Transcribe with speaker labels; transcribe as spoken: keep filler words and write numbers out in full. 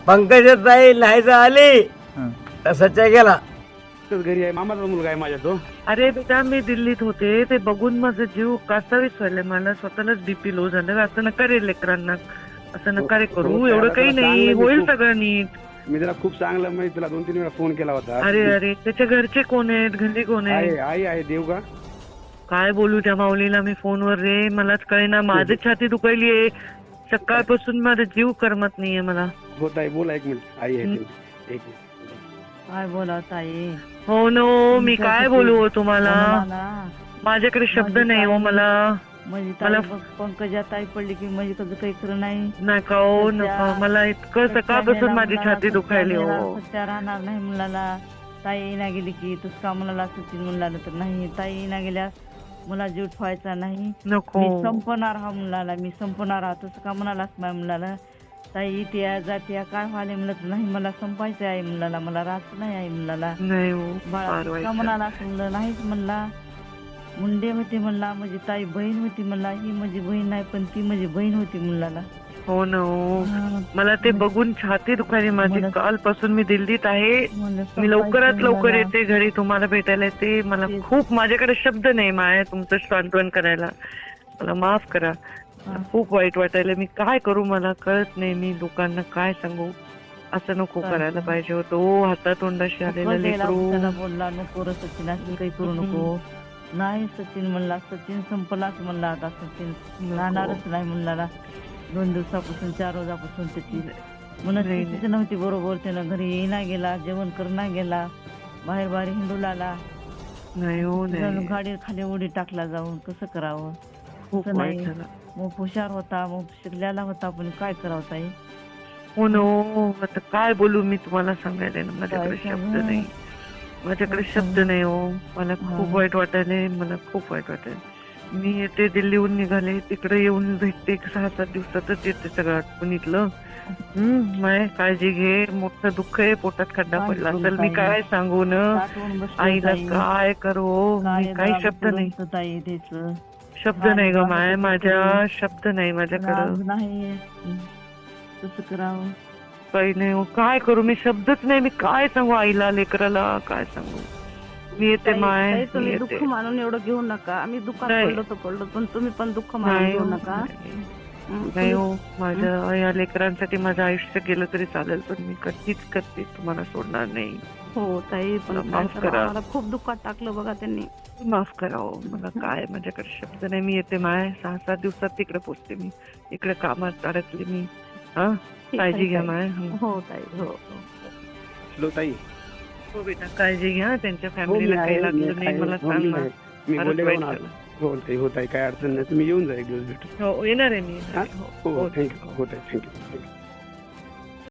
Speaker 1: पंकजाताई लिहायचं आली तर सच्चा गेला.
Speaker 2: घरी आहे, मामाचा मुलगा आहे माझ्या तो.
Speaker 3: अरे बेटा मी दिल्लीत होते, ते बघून माझा जीव कासावीस व्हायला, मला स्वतःलाच बीपी लो झालं. असं नका रे लेकरांना, असं नका रे करू. एवढं काही नाही, होईल सगळं नीट.
Speaker 2: मी त्याला खूप चांगलं म्हणजे तुला दोन तीन वेळा फोन केला होता.
Speaker 3: अरे अरे त्याच्या घरचे कोण आहेत, घरी कोण
Speaker 2: आई
Speaker 3: आहे?
Speaker 2: आई आहे देव का?
Speaker 3: काय बोलू त्या माऊलीला मी फोनवर रे, मलाच कळेना. माझी छाती दुखायली आहे सकाळपासून, माझा जीव करमत नाहीये मला.
Speaker 2: होत आहे, बोला एक मिनिट. आई आहे एक मिनिट.
Speaker 4: काय बोला ताई?
Speaker 3: हो नो, मी काय बोलू हो तुम्हाला, माझ्याकडे शब्द नाही हो मला.
Speaker 4: म्हणजे ताई पंकजा ताई पडली की म्हणजे कसं काही खरं नाही.
Speaker 3: नका हो नका, मला इतकं सकाळपासून माझी छाती दुखायली हो.
Speaker 4: सत्या राहणार नाही मुलाला. ताई ना गेली की तूच का मुलाला सचिन मुलाला तर नाही. ताई ना गेल्या मला जीव ठेवायचा नाही.
Speaker 3: नको
Speaker 4: मी संपणार हा मुलाला, मी संपणार हा. तसं का म्हणालास माझ्या मुलाला? ताई इथे जाते काय व्हायला म्हणत नाही, मला संपायचं आहे मुलाला, मला राहत नाही आहे मुलाला.
Speaker 3: नाही हो,
Speaker 4: बाळा का म्हणाला म्हणलं नाहीच म्हणला. मुंडे होते म्हणला, माझी ताई बहीण होती म्हणला. ही माझी बहीण नाही पण ती माझी बहीण होती मुलाला.
Speaker 3: हो ना हो, मला ते बघून छाती दुखायली माझी. कालपासून मी दिल्लीत आहे, मी लवकरात लवकर येते घरी तुम्हाला भेटायला येते. मला खूप, माझ्याकडे शब्द नाही माया तुमचं सांत्वन करायला. मला माफ करा, खूप वाईट वाटायला. मी काय करू मला कळत नाही. मी लोकांना काय सांगू, असं नको करायला पाहिजे होतं. ओ हातातोंडाशी आलेला लेकरू.
Speaker 4: बोलला नको रे सचिन, असं काही करू नको. नाही सचिन म्हणला, सचिन संपलाच म्हणला. आता सचिन राहणारच नाही म्हणला. दोन दिवसापासून चार रोजापासून त्याची मनस्थितीच नव्हती बरोबर. त्यानं घरी येईना गेला, जेवण करणा गेला, बाहेर बाहेर हिंडू लागला.
Speaker 3: नाही हो नाही,
Speaker 4: गाडी खाली उडी टाकला जाऊन. कसं करावं?
Speaker 3: खूप वाईट झालं.
Speaker 4: मग हुशार होता, मग शिकलेला होता, पण काय करावं ताई?
Speaker 3: हो नो, आता काय बोलू मी तुम्हाला सांगायला ना, माझ्याकडे शब्द नाही, माझ्याकडे शब्द नाही हो. मला खूप वाईट वाटायलंय, मला खूप वाईट वाटायला. मी येते दिल्लीहून निघाले, तिकडे येऊन भेटते. सहा सात दिवसातच येते सगळं आटपून इथलं. हम्म माय काळजी घे, मोठं दुःख आहे, पोटात खड्डा पडला असेल. मी काय सांगू न आईला, काय करू, मी काही शब्द नाही, शब्द नाही ग माय, माझ्या शब्द नाही माझ्याकडं.
Speaker 4: नाही कसं करावं
Speaker 3: काही नाही हो, काय करू मी, शब्दच नाही. मी काय सांगू आईला, लेकराला काय सांगू. मी येते माय,
Speaker 4: तुम्ही दुःख मानून एवढं घेऊ नका. आम्ही दुःखात पडलो तर पडलो, पण तुम्ही पण दुःख मानून घेऊ नका.
Speaker 3: नाही हो, माझ्या या लेकरांसाठी माझं आयुष्य गेलं तरी चालेल, पण मी कधीच कधीच तुम्हाला सोडणार नाही.
Speaker 4: हो ताई, पण
Speaker 3: माफ करा,
Speaker 4: मला खूप दुःखात टाकलं बघा त्यांनी.
Speaker 3: माफ करा हो, मला काय, माझ्याकडे शब्द नाही. मी येते माय, सहा सात दिवसात तिकडे पोचते. मी इकडे कामात अडकले मी. हा, काळजी घ्या माय.
Speaker 4: हो ताई, हो
Speaker 2: हॅलो ताई.
Speaker 3: हो बेटा, काळजी घ्या, त्यांच्या फॅमिलीला काही लागलं नाही मला सांग ना.
Speaker 2: मी बोलले हो ताई, हो ताई, काय अडचण नाही. तुम्ही येऊन जा एक दिवस भेटू.
Speaker 3: हो येणार आहे मी.
Speaker 2: हो थँक्यू. हो ताई, थँक्यू.